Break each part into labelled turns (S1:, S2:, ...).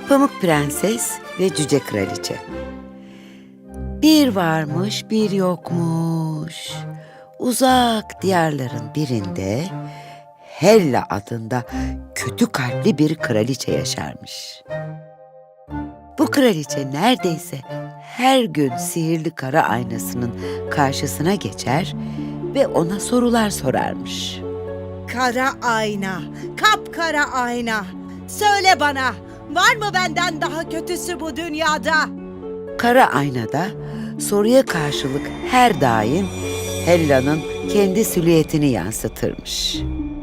S1: Pamuk Prenses ve Cüce Kraliçe. Bir varmış, bir yokmuş. Uzak diyarların birinde Hella adında kötü kalpli bir kraliçe yaşarmış. Bu kraliçe neredeyse her gün sihirli kara aynasının karşısına geçer ve ona sorular sorarmış.
S2: Kara ayna, kapkara ayna. Söyle bana, var mı benden daha kötüsü bu dünyada?
S1: Kara aynada soruya karşılık her daim Hella'nın kendi silüetini yansıtırmış.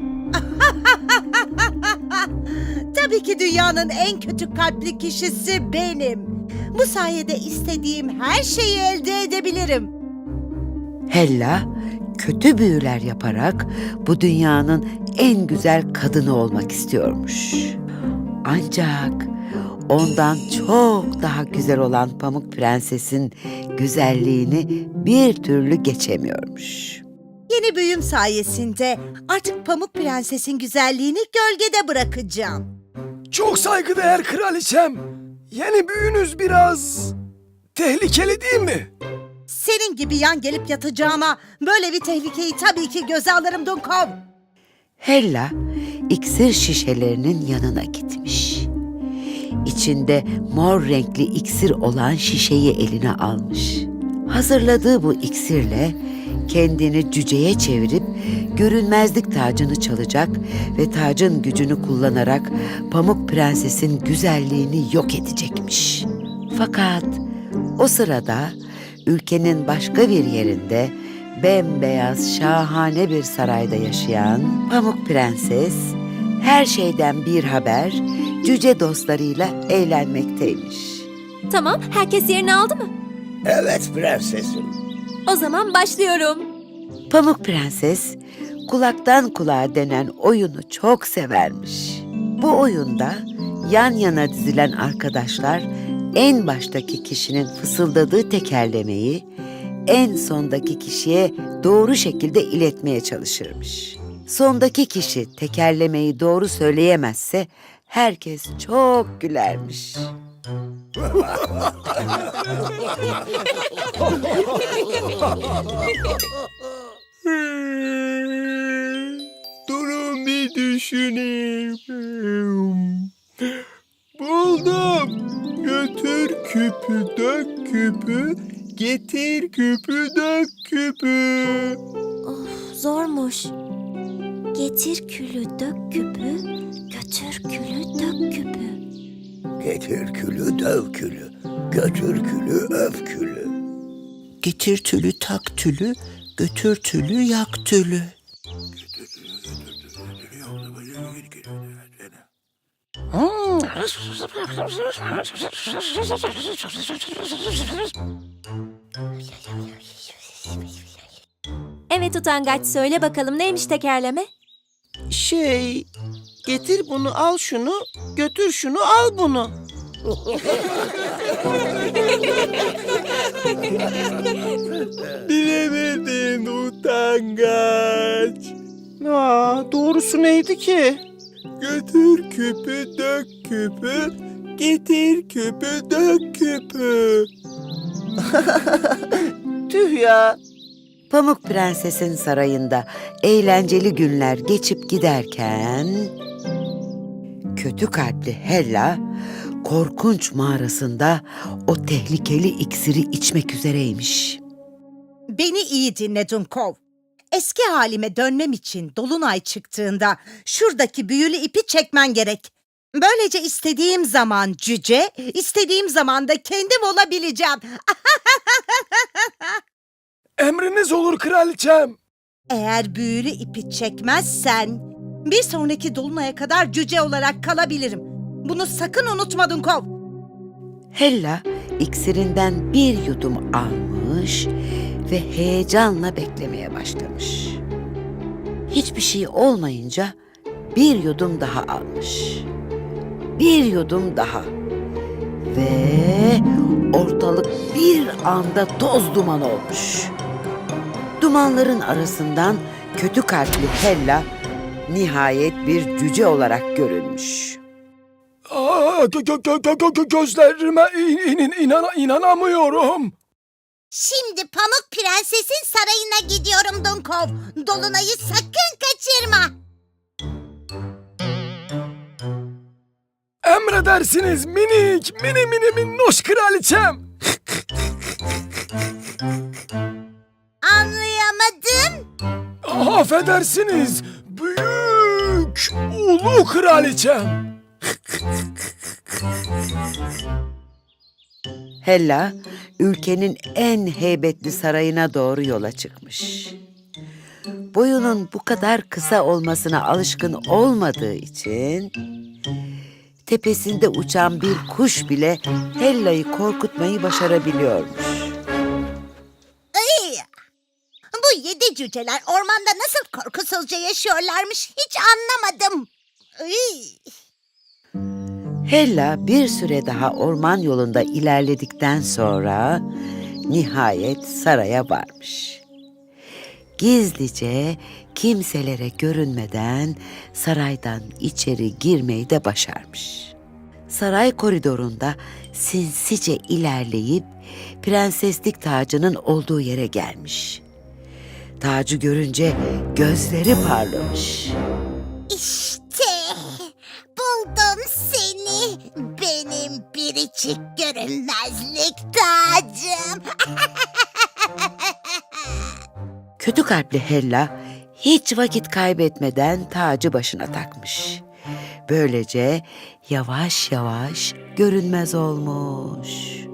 S2: Tabii ki dünyanın en kötü kalpli kişisi benim. Bu sayede istediğim her şeyi elde edebilirim.
S1: Hella kötü büyüler yaparak bu dünyanın en güzel kadını olmak istiyormuş. Ancak ondan çok daha güzel olan Pamuk Prenses'in güzelliğini bir türlü geçemiyormuş.
S2: Yeni büyüm sayesinde artık Pamuk Prenses'in güzelliğini gölgede bırakacağım.
S3: Çok saygıdeğer kraliçem. Yeni büyünüz biraz tehlikeli değil mi?
S2: Senin gibi yan gelip yatacağıma böyle bir tehlikeyi tabii ki göze alırım Dunkov.
S1: Hella iksir şişelerinin yanına gitmiş. İçinde mor renkli iksir olan şişeyi eline almış. Hazırladığı bu iksirle kendini cüceye çevirip görünmezlik tacını çalacak ve tacın gücünü kullanarak Pamuk Prenses'in güzelliğini yok edecekmiş. Fakat o sırada ülkenin başka bir yerinde bembeyaz şahane bir sarayda yaşayan Pamuk Prenses her şeyden bir haber cüce dostlarıyla eğlenmekteymiş.
S4: Tamam, herkes yerini aldı mı?
S5: Evet prensesim.
S4: O zaman başlıyorum.
S1: Pamuk Prenses kulaktan kulağa denen oyunu çok severmiş. Bu oyunda yan yana dizilen arkadaşlar en baştaki kişinin fısıldadığı tekerlemeyi en sondaki kişiye doğru şekilde iletmeye çalışırmış. Sondaki kişi tekerlemeyi doğru söyleyemezse herkes çok gülermiş.
S3: Durun bir düşüneyim. Buldum. Götür küpü dök küpü, getir küpü dök küpü.
S4: Of, zormuş. Getir külü dök küpü, götür külü dök küpü.
S5: Getir külü döv külü, götür külü öv külü.
S6: Getir tülü tak tülü, götür tülü yak tülü.
S4: Evet utangaç, söyle bakalım neymiş tekerleme?
S6: Getir bunu al şunu, götür şunu al bunu.
S3: Bilemedin utangaç.
S6: Doğrusu neydi ki?
S3: Götür küpü dök küpü, getir küpü dök küpü.
S6: Tüh ya.
S1: Pamuk Prenses'in sarayında eğlenceli günler geçip giderken kötü kalpli Hella korkunç mağarasında o tehlikeli iksiri içmek üzereymiş.
S2: Beni iyi dinle Dunkov. Eski halime dönmem için dolunay çıktığında şuradaki büyülü ipi çekmen gerek. Böylece istediğim zaman cüce, istediğim zaman da kendim olabileceğim.
S3: Emriniz olur kraliçem.
S2: Eğer büyülü ipi çekmezsen bir sonraki dolunaya kadar cüce olarak kalabilirim. Bunu sakın unutma Dunkov.
S1: Hella iksirinden bir yudum almış ve heyecanla beklemeye başlamış. Hiçbir şey olmayınca bir yudum daha almış. Bir yudum daha. Ve ortalık bir anda toz duman olmuş. Dumanların arasından kötü kalpli Hella nihayet bir cüce olarak görünmüş.
S3: Aa, Gözlerime inanamıyorum.
S2: Şimdi Pamuk Prenses'in sarayına gidiyorum Dunkov. Dolunay'ı sakın kaçırma.
S3: Emredersiniz minik, mini minnoş kraliçem.
S2: Anlayamadım.
S3: Affedersiniz, büyük, ulu kraliçem.
S1: Hella, ülkenin en heybetli sarayına doğru yola çıkmış. Boyunun bu kadar kısa olmasına alışkın olmadığı için tepesinde uçan bir kuş bile Hella'yı korkutmayı başarabiliyormuş.
S2: Ay! Bu 7 cüceler ormanda nasıl korkusuzca yaşıyorlarmış hiç anlamadım. Ay!
S1: Hella bir süre daha orman yolunda ilerledikten sonra nihayet saraya varmış. Gizlice kimselere görünmeden saraydan içeri girmeyi de başarmış. Saray koridorunda sinsice ilerleyip prenseslik tacının olduğu yere gelmiş. Tacı görünce gözleri parlamış.
S2: İşte buldum seni benim biricik görünmezlik tacım.
S1: Kötü kalpli Hella hiç vakit kaybetmeden tacı başına takmış. Böylece yavaş yavaş görünmez olmuş.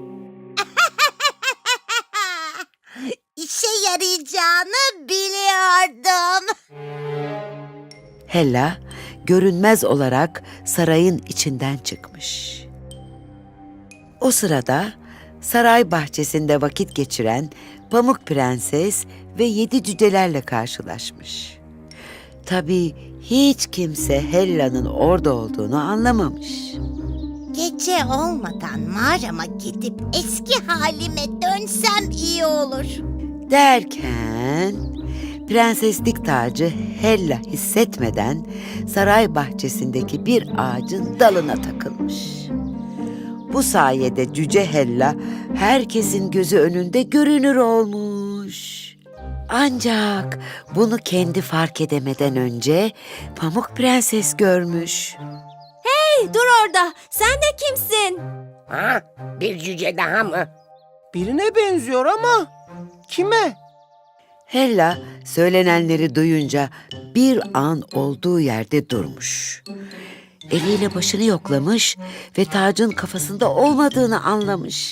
S2: İşe yarayacağını biliyordum.
S1: Hella görünmez olarak sarayın içinden çıkmış. O sırada saray bahçesinde vakit geçiren Pamuk Prenses ve 7 cücelerle karşılaşmış. Tabii hiç kimse Hella'nın orada olduğunu anlamamış.
S2: Gece olmadan mağarama gidip eski halime dönsem iyi olur.
S1: Derken prenseslik tacı Hella hissetmeden saray bahçesindeki bir ağacın dalına takılmış. Bu sayede cüce Hella herkesin gözü önünde görünür olmuş. Ancak bunu kendi fark edemeden önce Pamuk Prenses görmüş.
S4: Hey, dur orada. Sen de kimsin?
S7: Ha? Bir cüce daha mı?
S6: Birine benziyor ama kime?
S1: Hella söylenenleri duyunca bir an olduğu yerde durmuş. Eliyle başını yoklamış ve tacın kafasında olmadığını anlamış.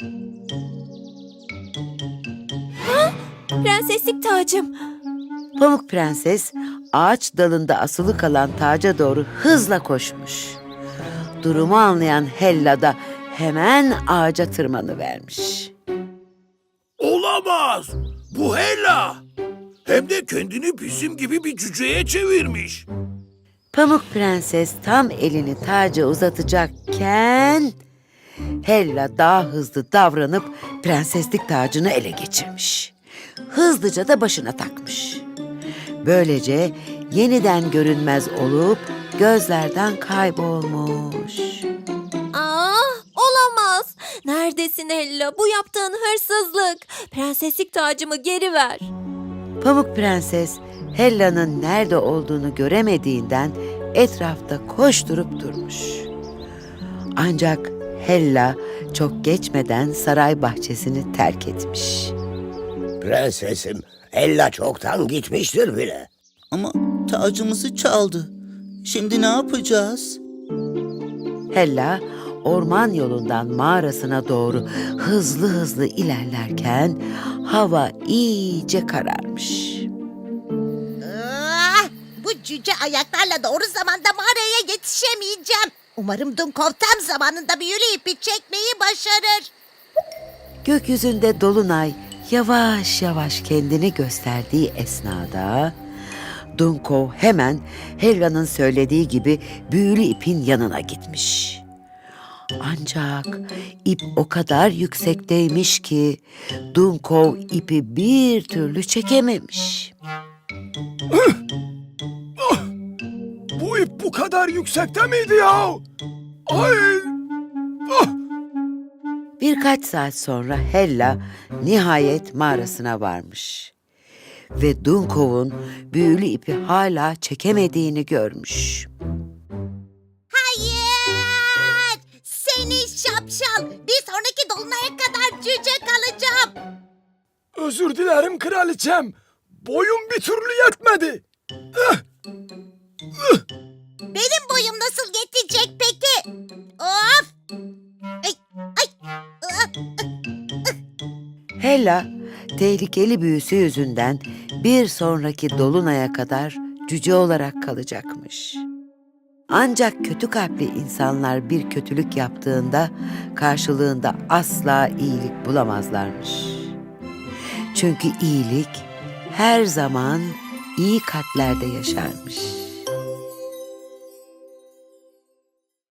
S4: Prenseslik tacım.
S1: Pamuk Prenses ağaç dalında asılı kalan taca doğru hızla koşmuş. Durumu anlayan Hella da hemen ağaca tırmanıvermiş.
S5: Olamaz. Bu Hella. Hem de kendini bizim gibi bir cüceye çevirmiş.
S1: Pamuk Prenses tam elini taca uzatacakken Hella daha hızlı davranıp prenseslik tacını ele geçirmiş. Hızlıca da başına takmış. Böylece yeniden görünmez olup gözlerden kaybolmuş.
S4: Olamaz. Neredesin Hella? Bu yaptığın hırsızlık. Prenseslik tacımı geri ver.
S1: Pamuk Prenses Hella'nın nerede olduğunu göremediğinden etrafta koşturup durmuş. Ancak Hella çok geçmeden saray bahçesini terk etmiş.
S5: Prensesim, Hella çoktan gitmiştir bile.
S6: Ama tacımızı çaldı. Şimdi ne yapacağız?
S1: Hella orman yolundan mağarasına doğru hızlı ilerlerken hava iyice kararmış.
S2: Bu cüce ayaklarla doğru zamanda mağaraya yetişemeyeceğim. Umarım Dunkov tam zamanında büyülü ipi çekmeyi başarır.
S1: Gökyüzünde dolunay yavaş yavaş kendini gösterdiği esnada Dunkov hemen Hella'nın söylediği gibi büyülü ipin yanına gitmiş. Ancak ip o kadar yüksekteymiş ki Dunkov ipi bir türlü çekememiş.
S3: Bu ip bu kadar yüksekte miydi ya? Ay! Ah!
S1: Birkaç saat sonra Hella nihayet mağarasına varmış. Ve Dunkov'un büyülü ipi hala çekemediğini görmüş.
S2: Hayır! Seni şapşal! Bir sonraki dolunaya kadar cüce kalacağım.
S3: Özür dilerim kraliçem. Boyum bir türlü yetmedi.
S2: Benim boyum nasıl yetecek peki? Of! Ay, ay,
S1: Hella tehlikeli büyüsü yüzünden bir sonraki dolunaya kadar cüce olarak kalacakmış. Ancak kötü kalpli insanlar bir kötülük yaptığında karşılığında asla iyilik bulamazlarmış. Çünkü iyilik her zaman iyi kalplerde yaşarmış.